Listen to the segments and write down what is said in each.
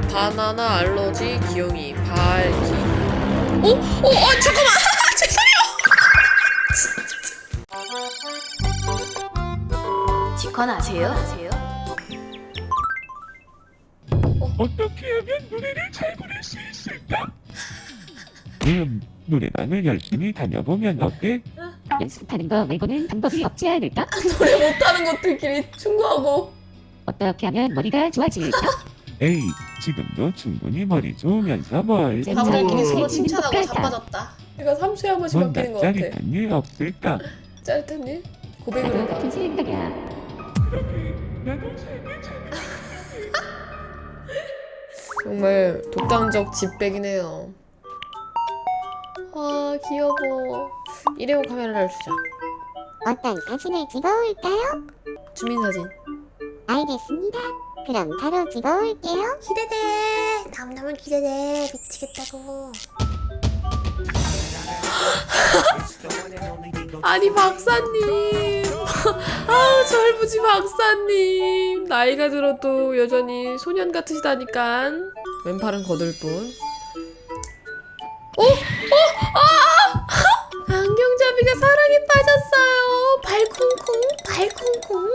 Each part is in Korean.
바나나 알러지 기영이 발기. 잠깐만. 죄송해요. 직관 아세요? 어떻게 하면 노래를 잘 부를 수 있을까? 노래방을 열심히 다녀보면 어때? 연습하는 거 말고는 방법이 없지 않을까? 노래 못하는 것들끼리 충고하고. 어떻게 하면 머리가 좋아질까? 에이, 지금도 충분히 머리 좋으면서 뭘? 바보들끼리 서로 오. 칭찬하고 자빠졌다. 내가 3초에 한 번씩 뭔가 바뀌는 것 같아. 짜릿한 일 없을까? 짜릿한 일? 고백을 나도 해봐. 같은 생각이야. 나도 삶을 잘 정말 독단적 집백이네요. 아 귀여워. 일회용 카메라를 주자. 어떤 사진을 찍어올까요? 주민사진. 알겠습니다. 그럼 바로 찍어올게요. 기대돼. 너무너무 기대돼. 미치겠다고. 아니 박사님. 아우 절부지 박사님. 나이가 들어도 여전히 소년 같으시다니까. 왼팔은 거들 뿐. 안경잡이가 사랑에 빠졌어요. 발콩콩.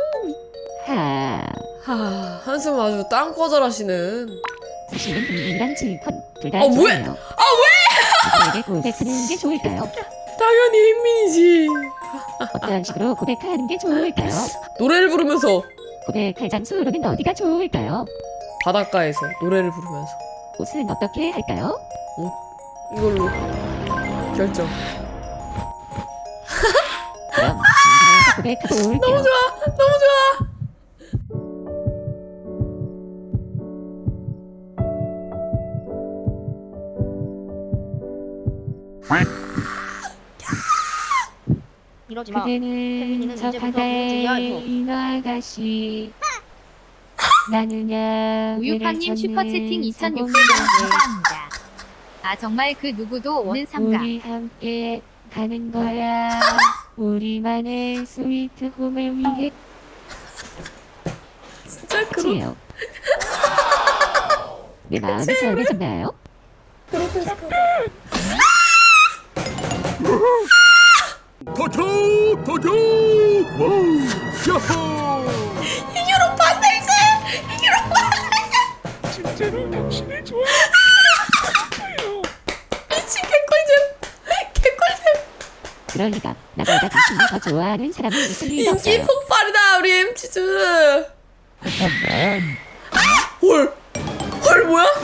하, 한숨 아주 땅 거절하시는. 사실은 이랑 질펀 둘다 뭐야? 좋아해요. 누구에게 고백하는 게 좋을까요? 당연히 흰민이지. 어떤 식으로 고백하는 게 좋을까요? 노래를 부르면서. 고백할 장소로는 어디가 좋을까요? 바닷가에서 노래를 부르면서. 옷은 어떻게 할까요? 이걸로 결정. 그럼 친구에게 고백하고 올게요. 너무 좋아. 이러지 마. 그대는 혜민이는 저 이제부터 바다의 무지야, 이거. 이 아가씨 나는야 우유팡님 슈퍼채팅 2,600원 감사합니다. 아 정말 그 누구도 오는 삼가. 우리 함께 가는 거야. 우리만의 스위트 홈을 위해 진짜 지요. 내 마음이 전해졌나요? 도교! 와우! 야호! 이겨로 반달세. 진짜로 당신을 좋아해요. 미친 개꿀잼. 그럴 리가. 나보다 당신을 더 좋아하는 사람이 있을 리가 인기 없어요. 폭발이다 우리 엠치즈. 잠깐만. 헐 뭐야?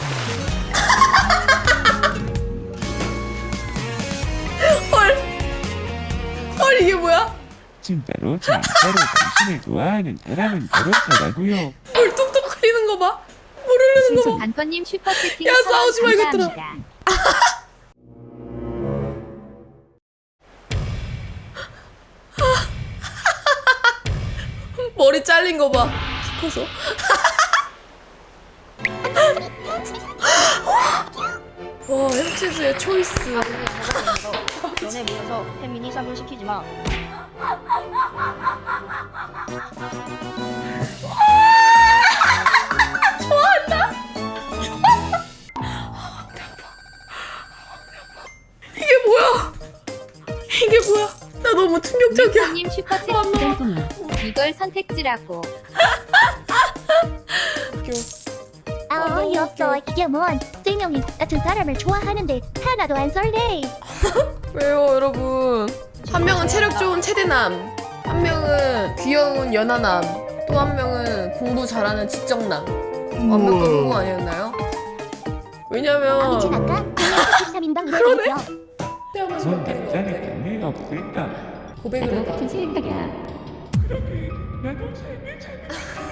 헐 이게 뭐야? 진짜로 당신을 좋아하는 사람은 바로 저라고요. 헐 뚝뚝거리는 거 봐. 물 흐르는 거 봐. 단펀님 슈퍼채팅 야, 싸우지 마, 이것들아. 감사합니다. 머리 잘린 거 봐. 키 커서. 와 엠치즈의 초이스. 너네 모여서 혜민이 삽을 시키지 마. 이게 뭐야? 나 너무 충격적이야. 우유팡님 슈퍼채팅 이걸 선택지라고. 어이없어. 이게 뭔 3명이 같은 사람을 좋아하는데 하나도 안 설레. 왜요 여러분? 한 명은 체력 좋은 체대남, 한 명은 귀여운 연하남, 또 한 명은 공부 잘하는 지적남. 완벽한 공부 아니었나요? 왜냐면 아니진 않까? 13인당 그러네. 그러네. 태어나서 뭔가 바뀌는 것 짜릿한 같아. 일 없을까? 고백을 나도 해봐. 같은 생각이야. 나도 삶을 잘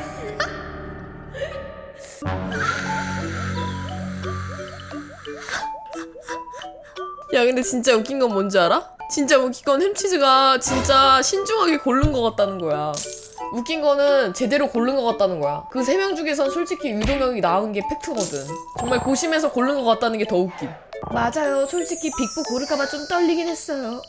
야 근데 진짜 웃긴 건 뭔지 알아? 진짜 웃긴 건 햄치즈가 진짜 신중하게 고른 것 같다는 거야. 웃긴 거는 제대로 고른 것 같다는 거야. 그 세 명 중에선 솔직히 유동혁이 나은 게 팩트거든. 정말 고심해서 고른 것 같다는 게 더 웃긴. 맞아요. 솔직히 빅부 고를까봐 좀 떨리긴 했어요.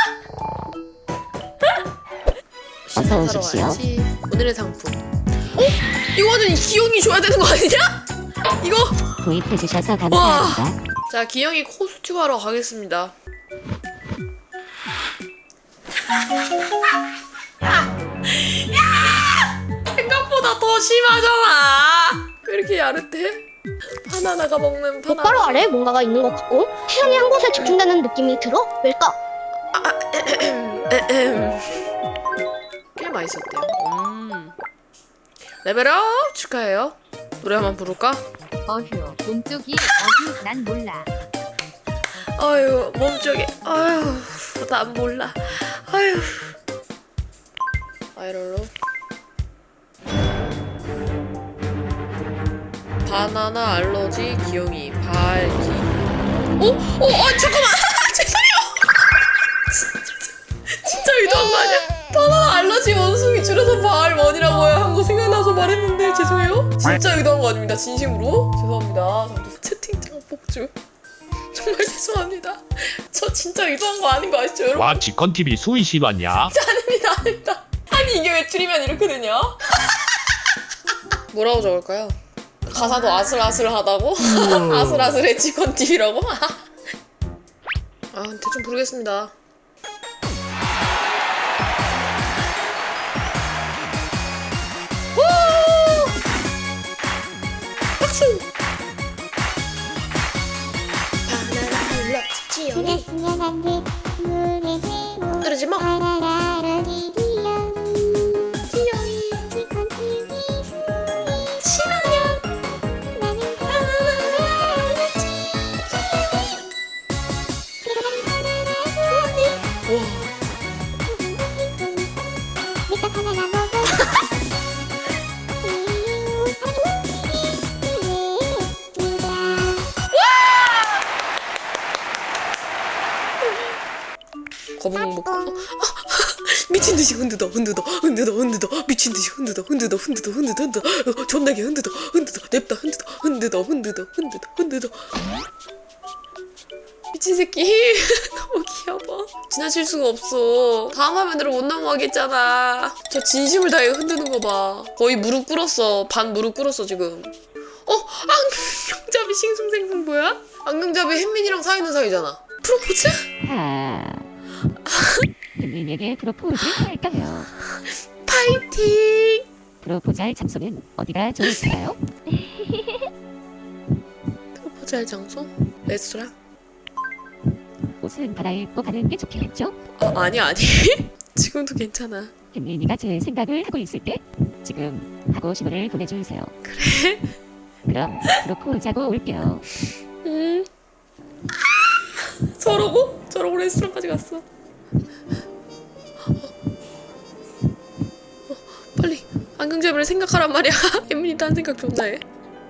어서 오십시오. 오늘의 상품. 이거는 기용이 줘야 되는 거 아니냐? 이거 구입해주셔서 감사합니다. 자, 기영이 코스튬 하러 가겠습니다. 생각보다 더 심하잖아. 왜 이렇게 야릇해? 바나나가 먹는 바나나. 똑바로 아래 뭔가가 있는 것 같고 태연이 한 곳에 집중되는 느낌이 들어? 왜일까? 꽤 맛있었대요. 레벨업 축하해요. 노래 한번 부를까? 어휴 몸쪽이 어휴 난 몰라. 아유 몸쪽에 아유 난 몰라. 아유 아이럴로 바나나 알러지 기영이 발기. 잠깐만. 죄송해요. 진짜 의도한 거 아니야? 바나나 알러지 원숭이 줄여서 발원이라고요 한 거 생각나서 말했는데 죄송해요. 진짜 의도한 거 아닙니다. 진심으로 죄송합니다. 저도 채팅창 폭주 정말 죄송합니다. 저 진짜 의도한 거 아닌 거 아시죠 여러분? 와 지컨TV 수이씨 왔냐? 아닙니다. 아니 이게 왜 줄이면 이렇게 되냐? 뭐라고 적을까요? 가사도 아슬아슬하다고? 아슬아슬해 직원 TV라고? 아 대충 부르겠습니다. 우! 박수! 바나나 알러지 지영이 그러지 마. 거북목 미친 듯이 흔들어 미친 듯이 흔들어 존나게 흔들어 냅다 흔들어 미친 새끼 너무 귀여워. 지나칠 수가 없어. 다음 화면으로 못 넘어가겠잖아. 저 진심을 다해 흔드는 거 봐. 거의 무릎 꿇었어. 반 무릎 꿇었어 지금. 안경잡이 싱숭생숭 뭐야? 안경잡이 햇민이랑 사귀는 사이잖아. 프로포즈? 혜민에게 프로포즈 할까요? 파이팅! 프로포즈할 장소는 어디가 좋을까요? 프로포즈 할 장소? 레스토랑? 옷은 갈아입고 가는 게 좋겠죠? 아니 지금도 괜찮아. 혜민이가 제 생각을 하고 있을 때 지금 하고 싶은 보내주세요. 그래? 그럼 프로포즈하고 올게요. 저러고 레스토랑까지 갔어. 빨리 안경잡이를 생각하란 말이야. 혜민이 딴 생각 존나 해.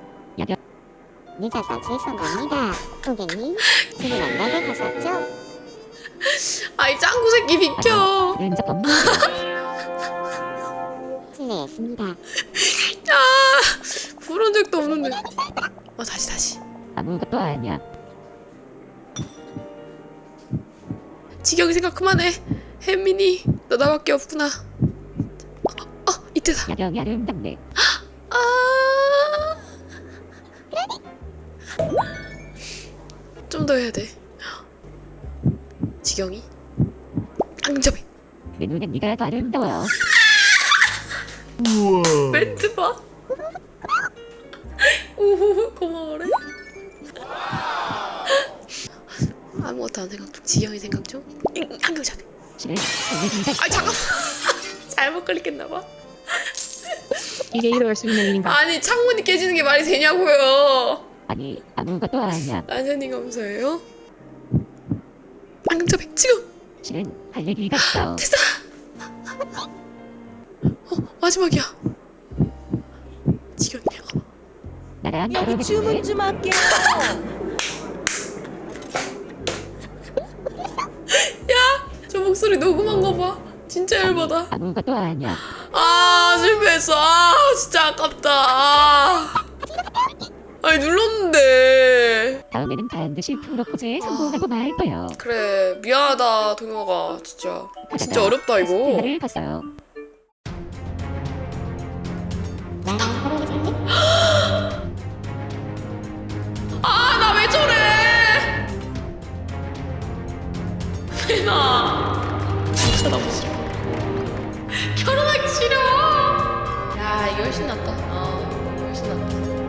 늦어서 죄송합니다. 고객님, 지금 만나게 하셨죠? 아이 짱구 새끼 비켜. 그런 적 없나? 실례했습니다. 그런 적도 없는데. 다시. 아무것도 아니야. 지경이 생각 그만해. 혜민이 너 나밖에 없구나. 이때다. 야경이 아름답네. 좀 더 해야 돼. 지경이 안경잡이 내 눈엔 네가 더 아름다워요. 멘트 봐. 우후 고마워래. 아무것도 안 생각 중. 지경이 생각 중. 안경잡이. 실은 설레긴다. 잠깐만. 잘못 클릭했나봐. 이게 이럴 수 있는 일인가? 아니 창문이 깨지는 게 말이 되냐고요. 아니 아무것도 아니야. 안현이 감사해요. 안경잡이 지금. 실은 할 얘기가 있어. 됐어. 마지막이야. 지경이 나랑 결혼해볼래? 저 목소리 녹음한 거 봐. 진짜 열받아. 아무것도 아니야. 실패했어. 진짜 아깝다. 아니 눌렀는데. 다음에는 반드시 프로포즈에 성공하고 말 거예요. 그래 미안하다 동영아. 진짜 어렵다 이거. 스피커를 봤어요. 나랑 결혼해 줄래? 이게 훨씬 낫다. 훨씬 낫다.